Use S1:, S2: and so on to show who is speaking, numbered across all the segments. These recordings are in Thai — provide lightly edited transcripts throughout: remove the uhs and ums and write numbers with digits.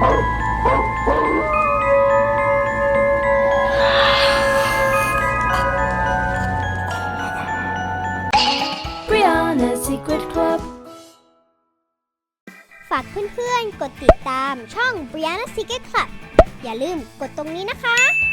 S1: Secret Club
S2: ฝากเพื่อนๆกดติดตามช่อง Brianna Secret Club อย่าลืมกดตรงนี้นะคะ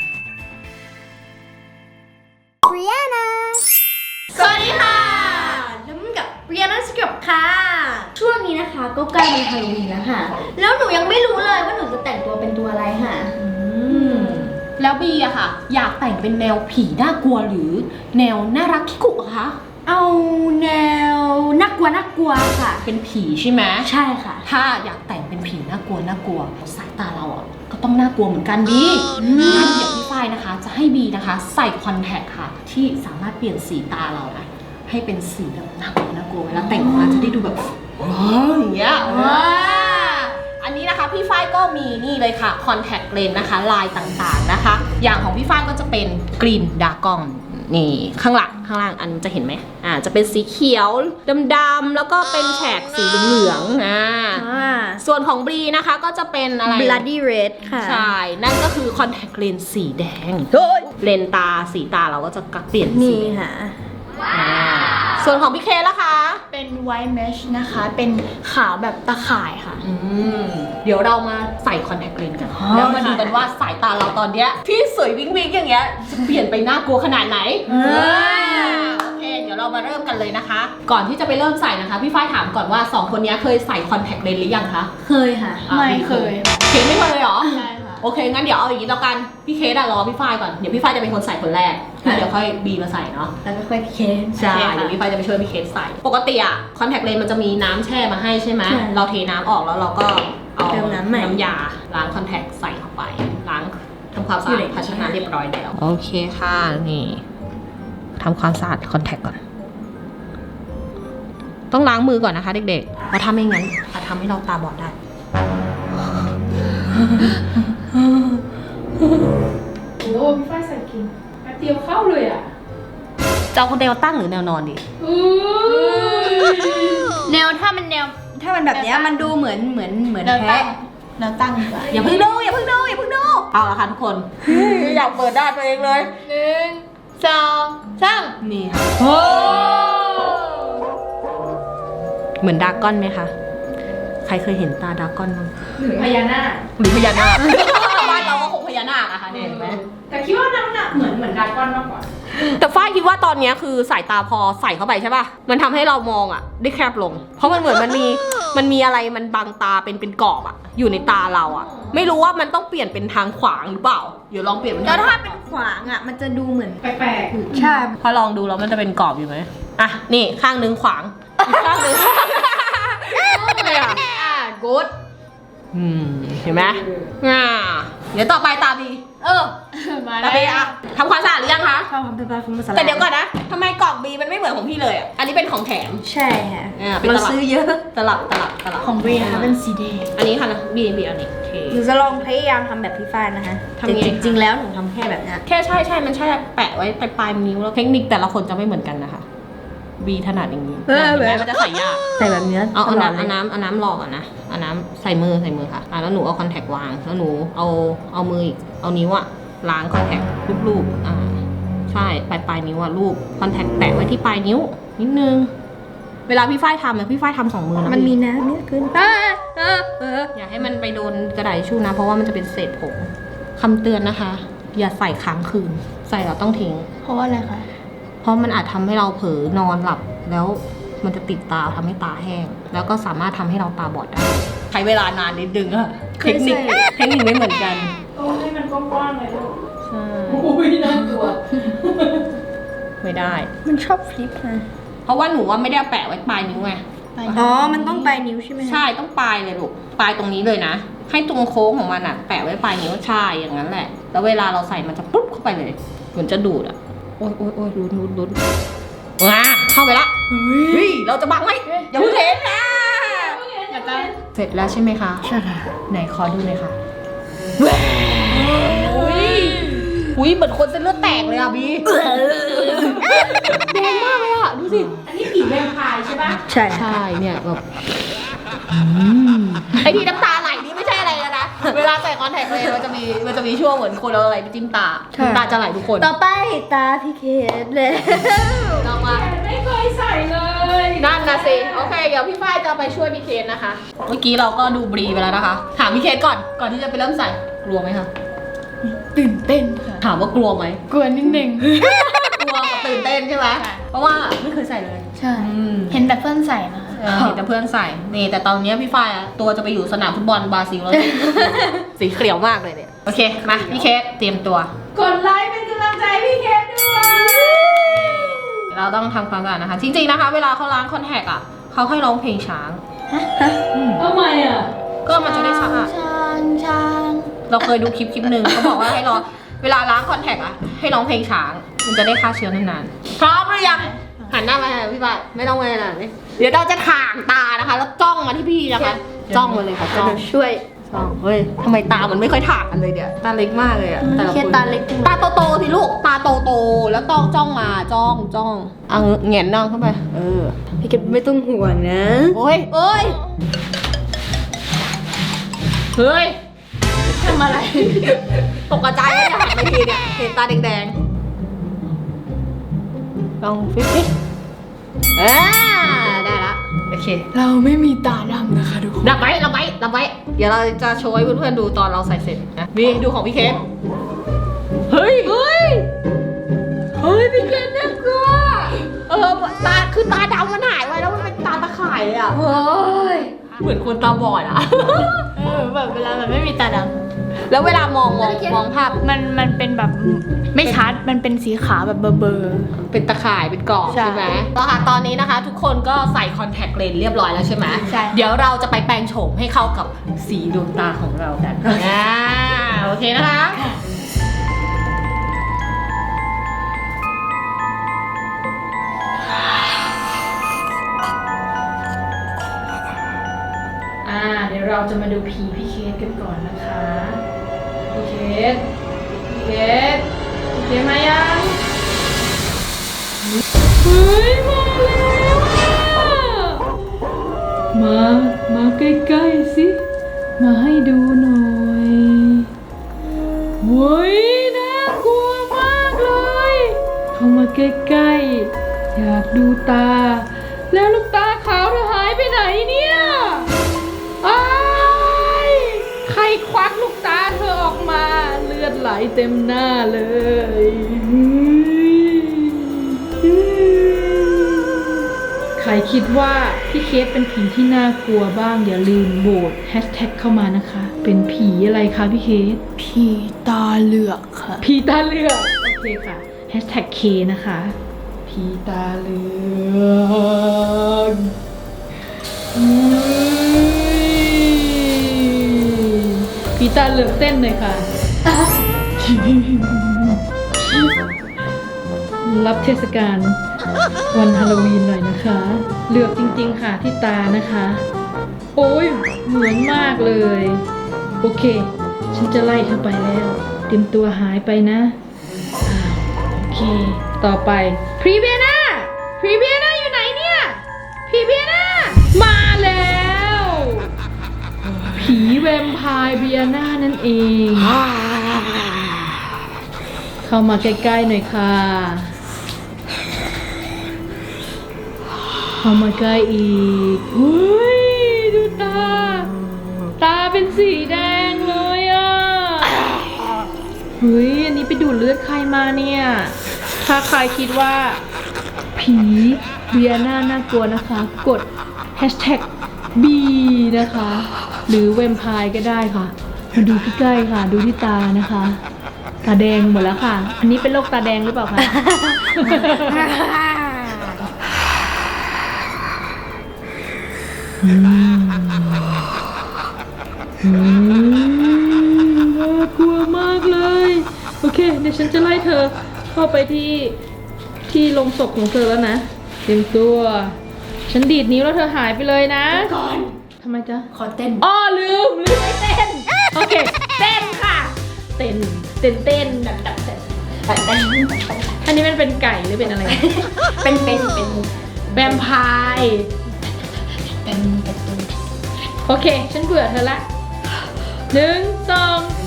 S2: Brianna
S1: สวัสดีค่ะน้ำกับเรียนนักสกับค่ะช่วงนี้นะคะก็ใกล้วันฮาโลวีนแล้วค่ะแล้วหนูยังไม่รู้เลยว่าหนูจะแต่งตัวเป็นตัวอะไรค่ะ
S3: แล้วบีอะค่ะอยากแต่งเป็นแนวผีน่ากลัวหรือแนวน่ารักคิกุอะคะ
S1: เอาแนวน่ากลัวค่ะ
S3: เป็นผีใช่ไหม
S1: ใช่ค่ะ
S3: ถ้าอยากแต่งเป็นผีน่ากลัวสายตาเราอะก็ต้องน่ากลัวเหมือนกันดีงั้นเดี๋ยวพี่ฝ้ายนะคะจะให้บีนะคะใส่คอนแทคค่ะที่สามารถเปลี่ยนสีตาเรานะให้เป็นสีแบบน่ากลัวเวลาแต่งออกมาจะได้ดูแบบว้าวอย่างเงี้ยอันนี้นะคะพี่ฝ้ายก็มีนี่เลยค่ะคอนแทคเลนส์นะคะลายต่างๆนะคะอย่างของพี่ฝ้ายก็จะเป็นกรีนดากอนนี่ข้างล่างอันจะเห็นไหมจะเป็นสีเขียวดำๆแล้วก็เป็นแฉกสีเหลืองส่วนของบรีนะคะก็จะเป็นอะไร
S1: Bloody Red ค่ะ
S3: ใช่นั่นก็คือคอนแทคเลนส์สีแดงเลนตาสีตาเราก็จะเปลี่ยนสี
S1: ค่ะ
S3: ส่วนของพี่เคล่ะคะ
S1: เป็น White Mesh นะคะเป็นขาวแบบตะข่ายค่ะ
S3: เดี๋ยวเรามาใส่คอนแทคเลนส์กันแล้วมาดูกันว่าสายตาเราตอนเนี้ยที่สวยวิ้งอย่างเงี้ยจะเปลี่ยนไปน่ากลัวขนาดไหนโอเคเดี๋ยวเรามาเริ่มกันเลยนะคะก่อนที่จะไปเริ่มใส่นะคะพี่ฝ้ายถามก่อนว่า2คนนี้เคยใส่คอนแทคเลนส์หรือยังคะ
S1: เคยค่ะ
S3: ไม่เคยเคไม่เคยเลยเหรอใช่ค่ะโอเคงั้นเดี๋ยวเอาอย่างนี้แล้วกันพี่เครอพี่ฝ้ายก่อนเดี๋ยวพี่ฝ้ายจะเป็นคนใส่คนแรกแล้วเดี๋ยวค่อยบีมาใส่เนาะ
S1: แล้วก็ค่อยพี่เค
S3: ใช่เดี๋ยวพี่ฝ้ายจะไปช่วยพี่เคใส่ปกติอะคอนแทคเลนส์มันจะมีน้ำแช่มาให้ใช่ไหมเราเทน้ำออกแล้วเราก็เอาน้ำยาล้างคอนแทคใส่เข้าไปล้างทำความสะอาดภาชนะเรียบร้อยแล้วโอเคค่ะนี่ทำความสะอาดคอนแทคก่อนต้องล้างมือก่อนนะคะเด็กๆเพราะถ้าไม่งั้นอาจทำให้เราตาบอดได้
S4: โอ้พี่ฝ้ายใส่กินแป๊บเดียวเข้าเลยอ่ะ
S3: จะเอาแนวตั้งหรือแนวนอนดี
S1: แนวถ้ามันแบบนี้มันดูเหมือนแพ้แนวตั้งดีกว่า
S3: อย่าเพิ่งดูเอาละค่ะทุกคนอยากเปิดได้ตัวเองเลย
S1: 1 2 3
S3: นี่ค่ะเหมือนดราก้อนไหมคะใครเคยเห็นตาดราก้อนบ้าง
S4: หรือพญานาค
S3: บ้านเราก็คงพญานาคอะค่ะเห็นไหม
S4: แต่คิดว่าน้ำหนักเหมือนดราก้อนมากกว่า
S3: แต่ฝ้ายคิดว่าตอนนี้คือสายตาพอใส่เข้าไปใช่ป่ะมันทำให้เรามองอะได้แคบลงเพราะมันเหมือนมันมีอะไรมันบังตาเป็นกรอบอะอยู่ในตาเราอะไม่รู้ว่ามันต้องเปลี่ยนเป็นทางขวางหรือเปล่าเดี๋ยวลองเปลี่ยนเป็น
S1: แล้วถ้าเป็นขวางอะมันจะดูเหมือน
S4: แปลก
S1: ๆใช่
S3: พอลองดูแล้วมันจะเป็นกรอบอยู่ไหมอ่ะนี่ข้างนึงขวางอีกข้างนึงกู๊ดเห็นไหมเดี๋ยวต่อไปตาบี
S1: มา
S3: ตาบีอะทำความสะอาดหรือยังคะ
S1: ทำเป็น
S3: แต่เดี๋ยวก่อนนะทำไมกล่องบีมันไม่เหมือนของพี่เลยอ่ะอันนี้เป็นของแถม
S1: ใช่ค่ะเราซื้อเยอะ
S3: ตลับ
S1: ของบีนะคะเป็นสีแดง
S3: อันนี้ค่ะนะบีอันนี้
S1: หนูจะลองพยายามทำแบบพี่ฝ้ายนะคะจริงแล้วหนูทำแค่แบบนี้
S3: แค่ใช่มันใช่แปะไว้ปลายนิ้วแล้วเทคนิคแต่ละคนจะไม่เหมือนกันนะคะบีถนัดอย่างนี้มันจะใส่ยาก
S1: ใส่แบบนี้
S3: เอาน้ำหลอกอ่ะนะเอาน้ำใส่มือค่ะแล้วหนูเอาคอนแทควางแล้วหนูเอามืออีกเอานิ้วอ่ะล้างคอนแทครูปใช่ปลายนิ้วอ่ะรูปคอนแทคแตะไว้ที่ปลายนิ้วนิดนึงเวลาพี่ฝ้ายทำเนี่ยพี่ฝ้ายทำ2 มือนะ
S1: มันมีน้ำเนี่ยขึ้น
S3: อย่าให้มันไปโดนกระดาษทิชชู่นะเพราะว่ามันจะเป็นเศษผงคำเตือนนะคะอย่าใส่ค้างคืนใส่เราต้องทิ้ง
S1: เพราะว่าอะไรคะ
S3: เพราะมันอาจทำให้เราเผลอนอนหลับแล้วมันจะติดตาทำให้ตาแห้งแล้วก็สามารถทำให้เราตาบอดได้ใช้เวลานานนิดนึงอะเทคนิคไม่เหมือนกัน
S4: โอ้ให้มันกว้างๆเลยลูก
S3: ใช่
S4: โอ้ยน่ากลัว
S3: ไม่ได้
S1: มันชอบฟลิปนะ
S3: เพราะว่าหนูว่าไม่ได้แปะไว้ปลายนิ้วไง
S1: มันต้องปลายนิ้วใช่ไหม
S3: ใช่ต้องปลายเลยลูกปลายตรงนี้เลยนะให้ตรงโค้งของมันอะแปะไว้ปลายนิ้วใช่อย่างนั้นแหละแล้วเวลาเราใส่มันจะปุ๊บเข้าไปเลยเหมือนจะดูดอะโอ้ยลุ้นเข้าไปละเราจะบังไหมอย่าเพิ่งเห็นนะเสร็จแล้วใช่ไหมคะ
S1: ใช่ค่ะ
S3: ไหนขอดูหน่อยค่ะอุ้ยเหมือนคนเส้นเลือดแตกเลยอ่ะบีแดงมากเลยอ่ะดูสิ
S4: อันนี้ผีแวมไพร์ใช่ปะ
S1: ใช่
S3: เนี่ยแบบไอที่น้ำตาไหลนี่ไม่ใช่อะไรนะคอนแทคเลยมันจะมีช่วงเหมือนคนเอาอะไรไปจิ้มตาตาจะไหลทุกคน
S1: ต่อไปตาพี่เคสเลย
S3: ต่อมา
S4: ไม่เคยใส่เลย
S3: นั่นนะสิโอเคเดี๋ยวพี่ฝ้ายจะไปช่วยพี่เคสนะคะเมื่อกี้เราก็ดูบรีไปแล้วนะคะถามพี่เคสก่อนที่จะไปเริ่มใส่กลัวไหมคะ
S1: ตื่นเต้นค่ะ
S3: ถามว่ากลัวไหม
S1: กลัวนิดนึง
S3: กลัวกับตื่นเต้นใช่ไหมเพราะว่าไม่เคยใส่เลย
S1: ใช่เห็นแต่เพื่อนใส่นะ
S3: เห็นแต่เพื่อนใส่นี่แต่ตอนนี้พี่ฝ้ายอะตัวจะไปอยู่สนามฟุตบอลบราซิลแล้ว สีเขียวมากเลยเนี่ยโอเคมาพี่เคสเตรียมตัว
S4: กดไลค์เป็นกำลังใจพี่เคสด้วย
S3: เราต้องทำความสะอาดนะคะจริงๆนะคะเวลาเขาล้างคอนแทคอ่ะเขาให้ร้องเพลงช้าง
S4: ทำไมอ่ะ
S3: ก็มันจะได้สะอาด
S1: ช้าง
S3: เราเคยดูคลิปหนึ่งเขาบอกว่าให้ร้องเวลาล้างคอนแทคอ่ะให้ร้องเพลงช้าง มันจะได้ฆ่าเชื้อนานๆพร้อมหรือยังหันหน้ามาพี่ฝ้ายไม่ต้องไปไหนเดี๋ยวเราจะถ่างตานะคะ แล้วจ้องมาที่พี่นะคะจ้องมาเลยค่ะจ้อง
S1: ช่วย
S3: เฮ้ยทำไมตามันไม่ค่อยถ่างกันเลยเนี่ยตาเล็กมากเลยอะแต่ละ
S1: เค
S3: ค
S1: ส
S3: น
S1: ตาเล็กจัง
S3: ตาโตๆสิลูกตาโตๆแล้วต้องจ้องมาจ้องเอาแหงนนั่งเข้าไป
S1: พี่เคสไม่ต้องห่วงนะ
S3: โอ้ยเฮ้ยทำอะไรตกใจเลยหันไปทีเนี่ยเห็นตาแดงๆลองฟิปได้ละโอเค
S1: เราไม่มีตาดำนะคะทุกคน
S3: รับไว้เดี๋ยวเราจะโชว์ให้เพื่อนๆดูตอนเราใส่เสร็จนะนี่ดูของพี่เคสเฮ้ยพี่เคสน่ากลัวตาคือตาดำมันหายไปแล้วมันเป็นตาตะข่ายเลยอ่ะ
S1: โอ้ย
S3: เหมือนคนตาบอดอ่ะ
S1: แบบเวลามันไม่มีตาด
S3: แล้วเวลามองภาพ
S1: ำมันเป็นแบบไม่ชัดมันเป็นสีขาวแบบเบอร์
S3: เป็นตะข่ายเป็นกรอบ
S1: ใช่
S3: ใช่ไหมแล้วค่ะตอนนี้นะคะ ทุกคนก็ใส่คอนแทคเลนส์เรียบร้อยแล้วใช่ไหม
S1: ใช่
S3: เดี๋ยวเราจะไปแปลงโฉมให้เข้ากับสีดวงตาของเรากันโอเคนะคะ
S4: เดี๋ยวเราจะมาดูผีพี่เคสกันก่อนนะคะพี่เคสมายังเฮ้ยมาแล้วมาใกล้ๆสิมาให้ดูหน่อยเฮ้ยน่ากลัวมากเลยเข้ามาใกล้ๆอยากดูตาแล้วลูกตาขาวเธอหายไปไหนเนี่ยใครควักลูกตาเธอออกมาเลือดไหลเต็มหน้าเลยใครคิดว่าพี่เคสเป็นผีที่น่ากลัวบ้างอย่าลืมโหวตแฮชแท็กเข้ามานะคะ เป็นผีอะไรคะพี่เคส
S1: ผีตาเหลือกค่ะ
S4: ผีตาเหลือกโอเคค่ะแฮชแท็กเคนะคะผีตาเหลือกผีตาเหลือกเต้นเลยค่ะ รับเทศกาลวันฮาโลวีนหน่อยนะคะ เหลือกจริงๆค่ะที่ตานะคะ โอ้ยเหมือนมากเลย โอเค ฉันจะไล่เธอไปแล้วเตรียมตัวหายไปนะโอเค ต่อไปพรีเบียนาอยู่ไหนเนี่ยพรีเบียนามาแล้ว ผีแวมไพร์เบียนานั่นเอง เข้ามาใกล้ๆหน่อยค่ะ เข้ามาใกล้อีกเฮ้ยดูตาเป็นสีแดงเลยอ่ะเฮ้ยอันนี้ไปดูดเลือดใครมาเนี่ย ถ้าใครคิดว่าผีเบียน่าน่ากลัวนะคะ กด hashtag B นะคะ หรือแวมไพร์ก็ได้ค่ะ มาดูใกล้ๆค่ะ ดูที่ตานะคะ ตาแดงหมดแล้วค่ะ อันนี้เป็นโรคตาแดงหรือเปล่าคะ น่ากลัวมากเลย โอเค เดี๋ยวฉันจะไล่เธอเข้าไปที่โรงศพของเธอแล้วนะเตรียมตัว ฉันดีดนิ้วแล้วเธอหายไปเลยนะก่อนทำไมจ๊ะ
S1: ขอเต้น
S4: อ้อลืมไม่เต้น โอเค เต้นค่ะ เต้นดับอันนี้มันเป็นไก่หรือเป็นอะไร
S1: เป็น
S4: แวมไพร์โอเค ฉันเบื่อเธอละ1 2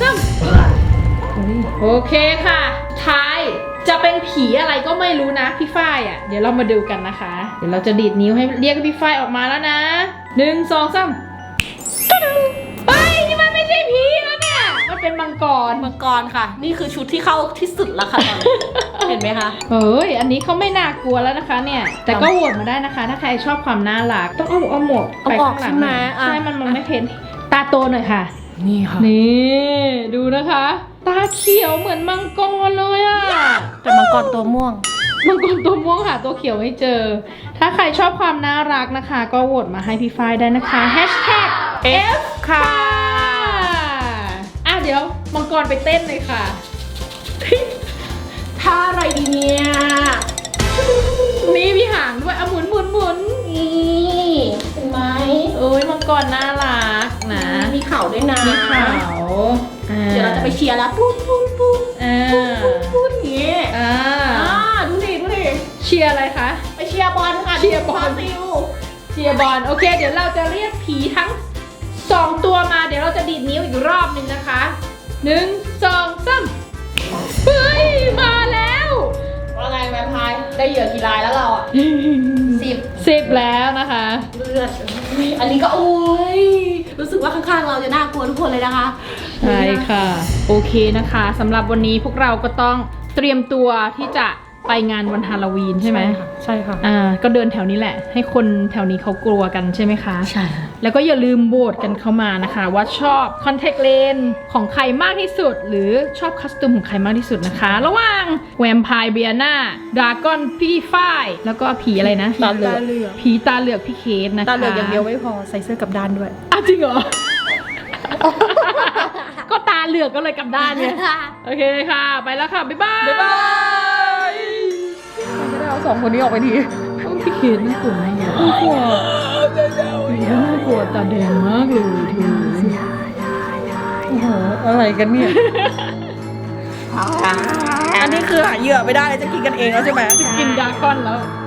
S4: โอเคค่ะท้ายจะเป็นผีอะไรก็ไม่รู้นะพี่ฝ้ายอ่ะเดี๋ยวเรามาดูกันนะคะ เดี๋ยวเราจะดีดนิ้วให้เรียกพี่ฝ้ายออกมาแล้วนะ1 2 3เฮ้ยนี่มันไม่ใช่ผีแล้วเนี่ยมันเป็นมังกร
S3: มังกรค่ะ นี่คือชุดที่เข้าที่สุดแล้วค่ะตอนนี้ เห็นไหมคะ
S4: เฮ้ยอันนี้เขาไม่น่ากลัวแล้วนะคะเนี่ยแต่ก็โหวตมาได้นะคะ ถ้าใครชอบความน่ารักต้องเอาหมวกไปข้างหลังหน่อยใช่มันไม่เพ้นตาโตหน่อยค่ะ
S3: นี่ค่ะ
S4: นี่ดูนะคะ ตาเขียวเหมือนมังกรเลยอะ
S3: แต่มังกรตัวม่วง
S4: มังกรตัวม่วงหาตัวเขียวไม่เจอ ถ้าใครชอบความน่ารักนะคะ ก็โหวตมาให้พี่ฝ้ายได้นะคะ #F ค่ะเดี๋ยวมังกรไปเต้นเลยค่ะ
S3: ท่าอะไรดีเนี่ย
S4: นี่มีหางด้วยหมุน
S3: นี่เห็นไหม
S4: โอ้ยมังกรน่ารักนะ
S3: มีเข่าด้วยนะ
S4: มีเขา
S3: เดี๋ยวเราจะไปเชียร์แล้วปุ๊บปุ๊บปุ๊บ พูดอย่างนี้ ดูดิ
S4: เชียร์อะไรคะ
S3: ไปเชียร์บอลค่ะ
S4: เชียร์บอล
S3: ซิล
S4: เชียร์บอลโอเค เดี๋ยวเราจะเรียกผีทั้ง2ตัวมาเดี๋ยวเราจะดีดนิ้วอีกรอบหนึ่งนะคะ1 2 3เฮ้ยมาแล้ว
S3: ว่าไงแวมไพร์ได้เหยื่อกี่รายแล้วเราอ่ะ
S4: 10แล้วนะคะ
S3: เลือดอันนี้ก็โอ้ยรู้สึกว่าข้างๆเราจะน่ากลัวทุกคนเลยนะคะ
S4: ใช่ค่ะโอเคนะคะสำหรับวันนี้พวกเราก็ต้องเตรียมตัวที่จะไปงานวันฮาโลวีนใช่ไหม
S3: ใช่ค่ะ
S4: ก็เดินแถวนี้แหละ ให้คนแถวนี้เขากลัวกันใช่ไหมคะ
S3: ใช่
S4: แล้วก็อย่าลืมโหวตกันเข้ามานะคะ ว่าชอบคอนแทคเลนส์ของใครมากที่สุด หรือชอบคัสตูมของใครมากที่สุดนะคะ ระหว่างแวมไพร์เบียนาดราก้อนพี่ฝ้ายแล้วก็ผีอะไรนะ
S3: ตาเหลือก
S4: ผีตาเหลือกพี่เคสนะคะ
S3: ตาเหลือกอย่างเดียวไม่พอใส่เสื้อกลับด้านด้วย
S4: จริงเหรอ ก็ตาเหลือกก็เลยกลับด้านเนี่ยโอเคค่ะ ไปแล้วค่ะ บ๊ายบาย
S3: บ๊ายบาย
S4: ไม่ได้เอา2 คนนี้ออกไปทีพี่เคสน่ากลัวมากน่ากลัวน่ากลัวตาแดงมากเลยทีโอ้โหอะไรกันเนี่ย
S3: อันนี้คือหาเหยื่อไม่ได้เลยจะกินกันเองแล้วใช่ไหม
S4: กินดราก้อนแล้ว